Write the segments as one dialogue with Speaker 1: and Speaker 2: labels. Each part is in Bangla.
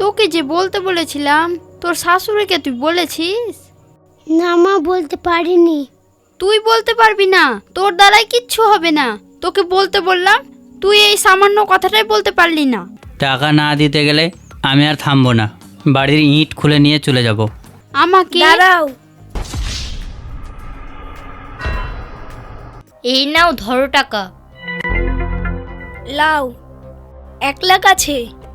Speaker 1: তোকে যে বলতে বলেছিলাম, তোর শাশুড়িকে তুই বলেছিস?
Speaker 2: না মা, বলতে পারিনি।
Speaker 1: তুই বলতে পারবি না? তোর দ্বারাই কিচ্ছু হবে না। তোকে বলতে বললাম, তুই এই সামান্য কথাটাই বলতে পারলি না।
Speaker 3: টাকা না দিতে গেলে আমি আর থামবো না, বাড়ির ইট খুলে নিয়ে চলে যাব।
Speaker 1: আমাকে
Speaker 2: দাঁড়াও।
Speaker 4: এই নাও, ধরো টাকা।
Speaker 2: লাও, 1 লাখ আছে।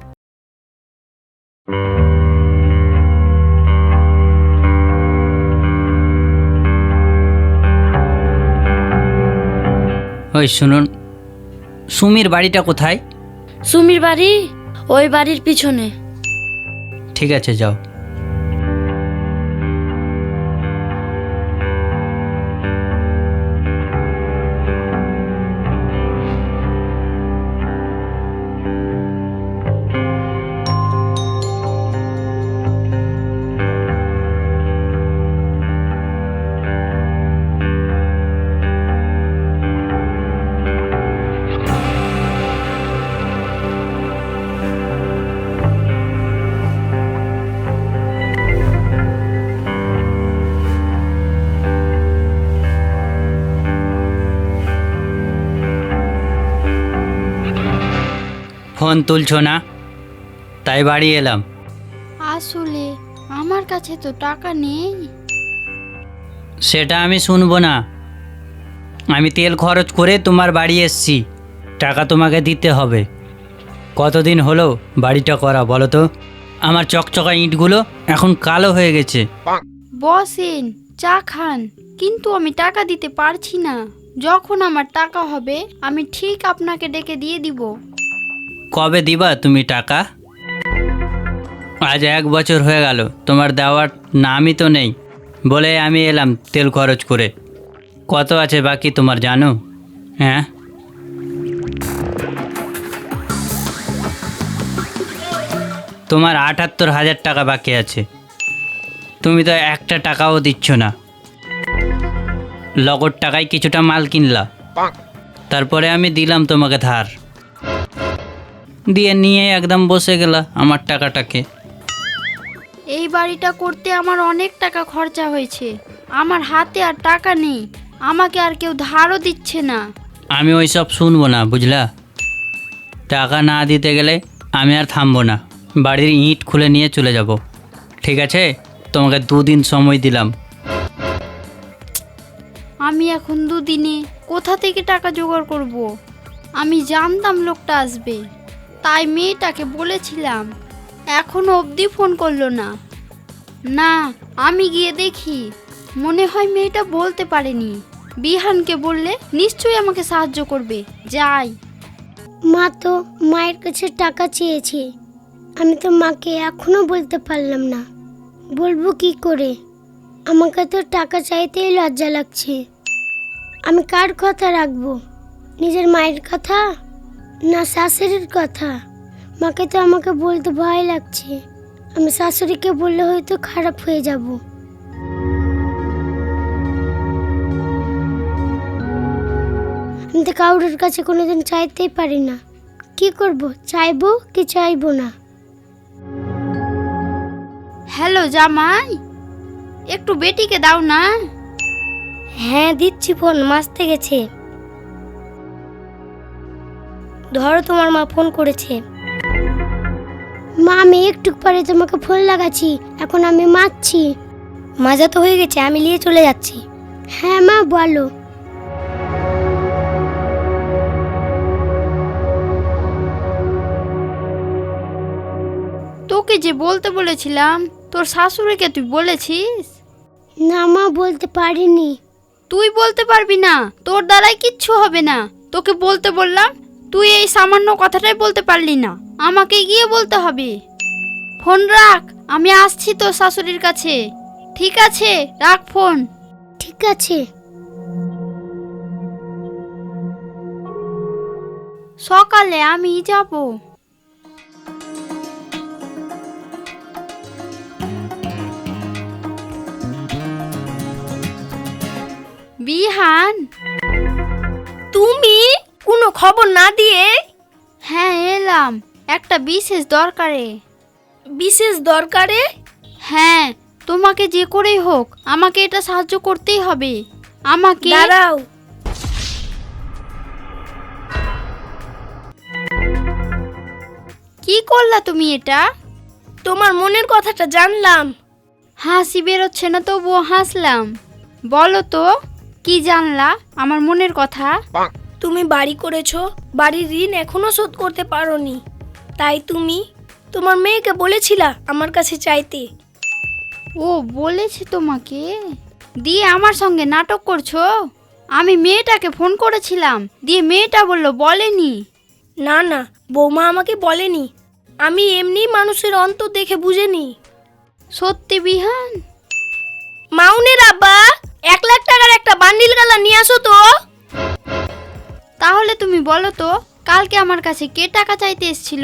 Speaker 3: ওই শুনুন, সুমির বাড়িটা কোথায়?
Speaker 4: সুমির বাড়ি ওই বাড়ির পিছনে।
Speaker 3: ঠিক আছে, যাও। ফোন তুলছো না, তাই বাড়ি এলাম।
Speaker 1: আসলে আমার কাছে তো টাকা নেই।
Speaker 3: সেটা আমি শুনবো না। আমি তেল খরচ করে তোমার বাড়ি এসছি, টাকা তোমাকে দিতে হবে। কতদিন হলো বাড়িটা করা বলো তো? আমার চকচকা ইঁটগুলো এখন কালো হয়ে গেছে।
Speaker 1: বসেন, চা খান, কিন্তু আমি টাকা দিতে পারছি না। যখন আমার টাকা হবে আমি ঠিক আপনাকে ডেকে দিয়ে দিব।
Speaker 3: কবে দিবা তুমি টাকা? আজ 1 বছর হয়ে গেল, তোমার দেওয়ার নামই তো নেই। বলে আমি এলাম তেল খরচ করে। কত আছে বাকি তোমার জানো? হ্যাঁ, তোমার 78,000 টাকা বাকি আছে। তুমি তো একটা টাকাও দিচ্ছ না। লগদ টাকায় কিছুটা মাল কিনলা, তারপরে আমি দিলাম তোমাকে ধার, দিয়ে নিয়ে একদম বসে গেলা আমার টাকাটাকে।
Speaker 1: এই বাড়িটা করতে আমার অনেক টাকা খরচা হয়েছে। আমার হাতে আর টাকা নেই, আমাকে আর কেউ ধারও দিচ্ছে না।
Speaker 3: আমি ওই সব শুনবো না, বুঝলা? টাকা না দিতে গেলে আমি আর থামবো না, বাড়ির ইট খুলে নিয়ে চলে যাব। ঠিক আছে, তোমাকে 2 দিন সময় দিলাম।
Speaker 1: আমি এখন 2 দিনে কোথা থেকে টাকা জোগাড় করব? আমি জানতাম লোকটা আসবে, তাই মেয়েটাকে বলেছিলাম। এখনো অবধি ফোন করলো না। না, আমি গিয়ে দেখি। মনে হয় মেয়েটা বলতে পারেনি। বিহানকে বললে নিশ্চয়ই আমাকে সাহায্য করবে। যাই।
Speaker 2: মা তো মায়ের কাছে টাকা চেয়েছে, আমি তো মাকে এখনো বলতে পারলাম না। বলবো কি করে? আমাকে তো টাকা চাইতেই লজ্জা লাগছে। আমি কার কথা রাখবো? নিজের মায়ের কথা না শাশুড়ির কথা? মাকে তো আমাকে বলতে ভয় লাগছে। আমি শাশুড়িকে বললে হয়তো খারাপ হয়ে যাব। আমি তো কাউরের কাছে কোনোদিন চাইতেই পারি না। কি করব? চাইবো কি চাইবো না?
Speaker 1: হ্যালো জামাই, একটু বেটিকে দাও না।
Speaker 2: হ্যাঁ দিচ্ছি, ফোন মাজতে গেছে। ধরো, তোমার মা ফোন করেছে। মা, আমি একটু পরে তোমাকে ফোন লাগাচ্ছি, এখন আমি মাজছি। মাজা তো হয়ে গেছে, আমি নিয়ে চলে যাচ্ছি। হ্যাঁ মা, বলো।
Speaker 1: তোকে যে বলতে বলেছিলাম, তোর শাশুড়িকে তুই বলেছিস?
Speaker 2: না মা, বলতে পারিনি।
Speaker 1: তুই বলতে পারবি না? তোর দ্বারাই কিচ্ছু হবে না। তোকে বলতে বললাম, তুই এই সামান্য কথাটাই বলতে পারলি না। আমাকে গিয়ে বলতে হবে। ফোন রাখ, আমি আসছি তোর শাশুড়ির কাছে। ঠিক আছে, রাখ ফোন।
Speaker 2: ঠিক আছে।
Speaker 1: সকালে আমি যাব। বিহান,
Speaker 4: তুমি কোনো খবর না দিয়ে?
Speaker 1: হ্যাঁ এলাম, একটা বিশেষ দরকারে।
Speaker 2: বিশেষ দরকারে?
Speaker 1: হ্যাঁ, তোমাকে যে করেই হোক আমাকে এটা সাহায্য করতেই হবে। আমাকে
Speaker 2: দাঁড়াও।
Speaker 1: কি করলা তুমি এটা?
Speaker 2: তোমার মনের কথাটা জানলাম।
Speaker 1: হাসি বেরোচ্ছে না তবুও হাসলাম। বলো তো কি জানলা আমার মনের কথা?
Speaker 2: তুমি বাড়ি করেছো, বাড়ির ঋণ এখনো শোধ করতে পারোনি, তাই তুমি তোমার মেয়েকে বলেছিলা আমার কাছে চাইতে।
Speaker 1: ও বলেছে তোমাকে, দিয়ে আমার সঙ্গে নাটক করছো? আমি মেয়েটাকে ফোন করেছিলাম, দিয়ে মেয়েটা বলল বলেনি।
Speaker 2: না না, বৌমা আমাকে বলেনি, আমি এমনি মানুষের অন্তর দেখে বুঝেনি।
Speaker 1: সত্যি বিহান?
Speaker 2: মাউনের আব্বা, 1 লাখ টাকার একটা বান্ডিল গালা নিয়ে আসো তো।
Speaker 1: তাহলে তুমি বলো তো কালকে আমার কাছে কে টাকা চাইতে এসেছিল?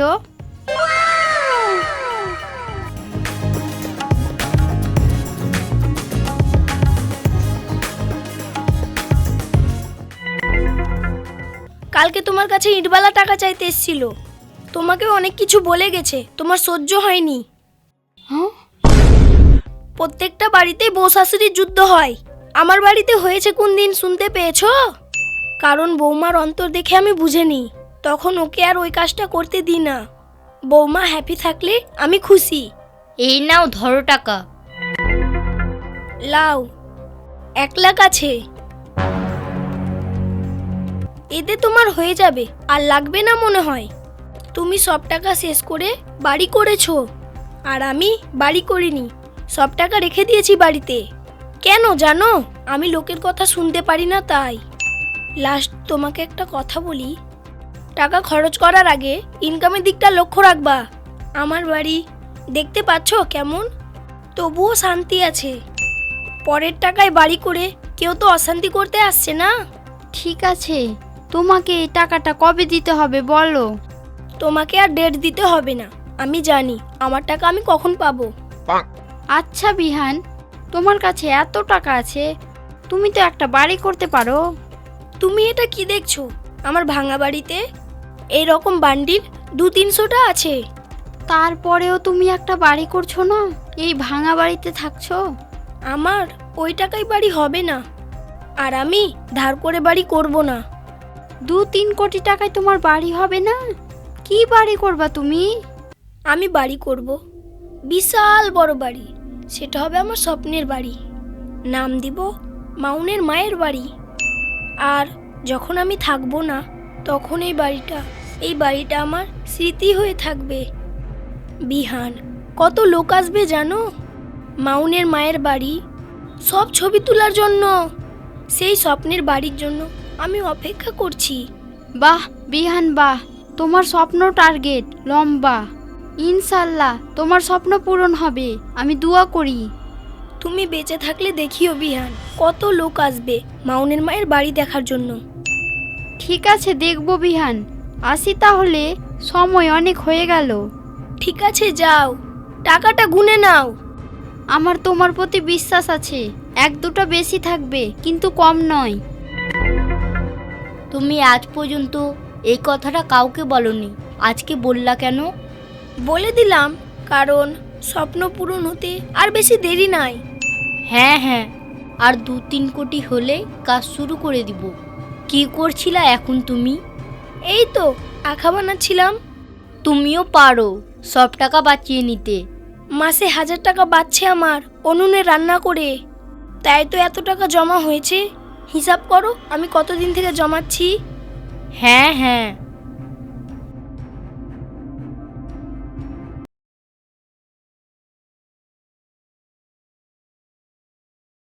Speaker 2: কালকে তোমার কাছে ইটবালা টাকা চাইতে এসেছিল। তোমাকে অনেক কিছু বলে গেছে, তোমার সহ্য হয়নি।
Speaker 1: হ্যাঁ?
Speaker 2: প্রত্যেকটা বাড়িতেই বউ শাশুড়ির যুদ্ধ হয়। আমার বাড়িতে হয়েছে কোন দিন শুনতে পেয়েছো? কারণ বৌমার অন্তর দেখে আমি বুঝেনি, তখন ওকে আর ওই কাজটা করতে দিই না। বৌমা হ্যাপি থাকলে আমি খুশি।
Speaker 4: এই নাও ধরো টাকা।
Speaker 2: লাও, 1 লাখ আছে, এতে তোমার হয়ে যাবে, আর লাগবে না মনে হয়। তুমি সব টাকা শেষ করে বাড়ি করেছো, আর আমি বাড়ি করিনি, সব টাকা রেখে দিয়েছি বাড়িতে। কেন জানো? আমি লোকের কথা শুনতে পারি না তাই। লাস্ট তোমাকে একটা কথা বলি, টাকা খরচ করার আগে ইনকামের দিকটা লক্ষ্য রাখবা। আমার বাড়ি দেখতে পাচ্ছ কেমন, তবুও শান্তি আছে। পরের টাকায় বাড়ি করে কেউ তো অশান্তি করতে আসছে না।
Speaker 1: ঠিক আছে, তোমাকে এই টাকাটা কবে দিতে হবে বলো?
Speaker 2: তোমাকে আর ডেট দিতে হবে না, আমি জানি আমার টাকা আমি কখন পাবো।
Speaker 1: আচ্ছা বিহান, তোমার কাছে এত টাকা আছে, তুমি তো একটা বাড়ি করতে পারো।
Speaker 2: তুমি এটা কি দেখছো? আমার ভাঙা বাড়িতে এই রকম বান্ডিল 200-300টা আছে।
Speaker 1: তারপরেও তুমি একটা বাড়ি করছো না, এই ভাঙা বাড়িতে থাকছো।
Speaker 2: আমার ওই টাকায় বাড়ি হবে না, আর আমি ধার করে বাড়ি করব না।
Speaker 1: 2-3 কোটি টাকায় তোমার বাড়ি হবে না? কি বাড়ি করবা তুমি?
Speaker 2: আমি বাড়ি করব, বিশাল বড় বাড়ি। সেটা হবে আমার স্বপ্নের বাড়ি, নাম দিব মাউনের মায়ের বাড়ি। আর যখন আমি থাকবো না, তখন এই বাড়িটা আমার স্মৃতি হয়ে থাকবে। বিহান, কত লোক আসবে জানো মাউনের মায়ের বাড়ি, সব ছবি তোলার জন্য। সেই স্বপ্নের বাড়ির জন্য আমি অপেক্ষা করছি।
Speaker 1: বাহ বিহান বাহ, তোমার স্বপ্ন টার্গেট লম্বা। ইনশাল্লাহ তোমার স্বপ্ন পূরণ হবে, আমি দোয়া করি।
Speaker 2: তুমি বেঁচে থাকলে দেখিও বিহান, কত লোক আসবে মাউনের মায়ের বাড়ি দেখার জন্য।
Speaker 1: ঠিক আছে, দেখবো বিহান। আসি তাহলে, সময় অনেক হয়ে গেল।
Speaker 2: ঠিক আছে, যাও, টাকাটা গুনে নাও।
Speaker 1: আমার তোমার প্রতি বিশ্বাস আছে, 1-2টা বেশি থাকবে কিন্তু কম নয়।
Speaker 4: তুমি আজ পর্যন্ত এই কথাটা কাউকে বলনি, আজকে বললা কেন?
Speaker 2: বলে দিলাম, কারণ স্বপ্ন পূরণ হতে আর বেশি দেরি নাই।
Speaker 4: হ্যাঁ হ্যাঁ, আর 2-3 কোটি হলে কাজ শুরু করে দিব। কি করছিলা এখন তুমি?
Speaker 2: এই তো আঁকা বানাচ্ছিলাম।
Speaker 4: তুমিও পারো সব টাকা বাঁচিয়ে নিতে।
Speaker 2: মাসে 1000 টাকা বাঁচছে আমার উনুনে রান্না করে, তাই তো এত টাকা জমা হয়েছে। হিসাব করো আমি কতদিন থেকে জমাচ্ছি।
Speaker 4: হ্যাঁ হ্যাঁ,